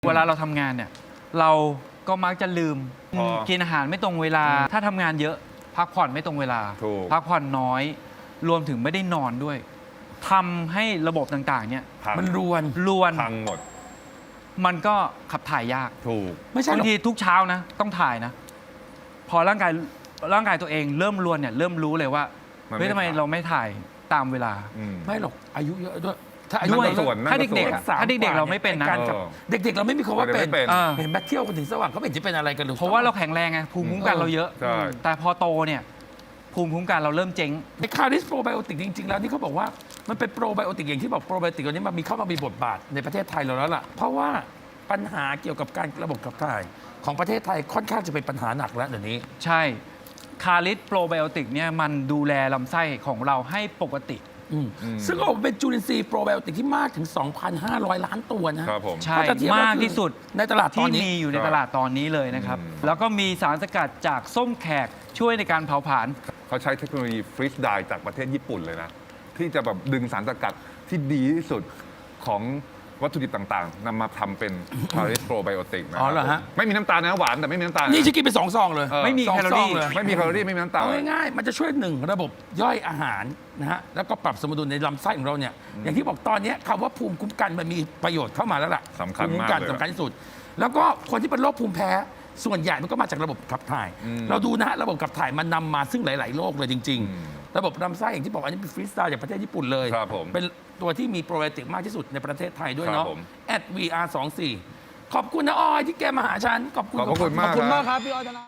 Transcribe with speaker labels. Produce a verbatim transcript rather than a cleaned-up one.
Speaker 1: เวลาเราทำงานเนี่ยเราก็มักจะลืม
Speaker 2: พอ
Speaker 1: กินอาหารไม่ตรงเวลา ถ้าทำงานเยอะพักผ่อนไม่ตรงเวลา
Speaker 2: ถูก
Speaker 1: พักผ่อนน้อย รวมถึงไม่ได้นอนด้วยทำให้ระบบต่างๆ เนี่ย
Speaker 2: พัง
Speaker 3: มันรวน
Speaker 1: รวน
Speaker 2: พังหมด
Speaker 1: มันก็ขับถ่ายยาก
Speaker 2: ถูก
Speaker 3: ไม่ใช่ห
Speaker 1: บาร ง
Speaker 3: อก
Speaker 1: ทีทุกเช้านะ ต้องถ่ายนะ พอร่างกายร่างกายตัวเองเริ่มรวนเนี่ยเริ่มรู้เลยว่า
Speaker 2: มัน
Speaker 1: เฮ้ย
Speaker 2: ไม่
Speaker 1: ทำไม
Speaker 2: ถ่าย
Speaker 1: เราไม่ถ่ายตามเวลา
Speaker 2: อืม
Speaker 3: ไม่หรอกอายุเยอะด้วย ถ้าอายุ
Speaker 1: ด้วย
Speaker 3: เยอะ
Speaker 2: ส่วนนั่น
Speaker 1: ถ้า
Speaker 2: ก็
Speaker 1: เด็ก
Speaker 2: ส่วน
Speaker 1: ๆอะถ้าเด็กๆเราไม่เป็นนะ
Speaker 3: การกับ
Speaker 2: เออ
Speaker 3: เด็กๆ เราไม่มีคำว่าเป็น
Speaker 2: ไม่เป็น
Speaker 1: อ่า
Speaker 3: เห็นแบทเที่ยวกันถึงสว่างเขาไม่เห็นจะเป็นอะไรกันหรือ
Speaker 1: เพราะว่าเราแข็งแรงไงภูมิคุ้มกันเราเยอะ
Speaker 2: ใช่
Speaker 1: แต่พอโตเนี่ยภูมิคุ้มกันเราเริ่มเจ๊ง
Speaker 3: ในคาริสโปรไบโอติกจริง ๆ แล้วนี่เขาบอกว่ามันเป็นโปรไบโอติกอย่างที่บอกโปรไบโอติกตัวนี้มันมีเข้ามามีบทบาทในประเทศไทยเราแล้วล่ะ เพราะว่าปัญหาเกี่ยวกับการระบบขับถ่ายของประเทศไทยค่อนข้างจะเป็นปัญหาหนักแล้วเดี๋ยวนี้
Speaker 1: ใช่คาริสโปรไบโอติกเนี่ยมันดูแลลำไส้ของเราให้ปกติ
Speaker 3: อืม
Speaker 2: อืม
Speaker 3: ซึ่งก็บอกว่าเป็นจุลินทรีย์โปรไบโอติกที่มากถึง สองพันห้าร้อย ล้านตัวนะ
Speaker 2: ครับผม
Speaker 1: ใช่
Speaker 3: ถ้จะเทียบ
Speaker 1: มาก
Speaker 3: คือ
Speaker 1: ที่สุด
Speaker 3: ในตลาดตอ
Speaker 1: ที่
Speaker 3: นนี้
Speaker 1: มีอยู่ในตลาดตอนนี้เลยนะครับ
Speaker 2: อืม
Speaker 1: แล้วก็มีสารสกัดจากส้มแขกช่วยในการเผาผลาญ
Speaker 2: เขาใช้เทคโนโลยีฟรีสไดร์จากประเทศญี่ปุ่นเลยนะ ที่จะแบบดึงสารสกัดที่ดีที่สุดของวัตถุดิบต่างๆนำมาทำเป็นคาริสโปรไบโอติกนะ
Speaker 3: อ๋อเหรอฮะ
Speaker 2: ไม่มีน้ำตาลนะหวานแต่ไม่มีน้ำตาล
Speaker 3: นี่จะกินไปสองซองเลย
Speaker 2: เออ
Speaker 1: ไม่มี
Speaker 3: สอง
Speaker 1: แคลอ
Speaker 3: ซอ
Speaker 1: รี่
Speaker 3: งเลย
Speaker 2: ไม่มีแคลอรี่ไม่มีน้ำตาล
Speaker 3: เอาง่ายๆ มันจะช่วยหนึ่งระบบย่อยอาหารนะฮะ แล้วก็ปรับสมดุลในลำไส้ของเราเนี่ย อย่างที่บอกตอนนี้คำว่าภูมิคุ้มกันมันมีประโยชน์เข้ามาแล้วล่ะ
Speaker 2: สำคัญ
Speaker 3: ภูมิคุ้
Speaker 2: มาก
Speaker 3: กัน
Speaker 2: เลย
Speaker 3: สำคัญที่สุด แล้วก็คนที่เป็นโรคภูมิแพ้ส่วนใหญ่มันก็มาจากระบบขับถ่าย
Speaker 2: อืม
Speaker 3: เราดูนะฮะระบบขับถ่ายมันนำมาซึ่งหลาย ๆ โรคเลยจริง
Speaker 2: อืม
Speaker 3: ๆ ระบบลำไส้อย่างที่บอกอันนี้เป็นฟรีสไตล์จากประเทศญี่ปุ่นเลย
Speaker 2: ครับผม
Speaker 3: เป็นตัวที่มีโปรไบโอติกมากที่สุดในประเทศไทยด้วย
Speaker 2: ครับ
Speaker 3: เนาะ
Speaker 2: ผม
Speaker 3: แอด วี อาร์ สองสี่ ขอบคุณนะออยที่แกมาหาฉันขอบคุณ
Speaker 2: ขอบพระคุณ
Speaker 3: ข
Speaker 2: มา
Speaker 3: อบ
Speaker 2: ก
Speaker 3: คุณ
Speaker 2: ครับ
Speaker 3: มากครับพี่ออยธนา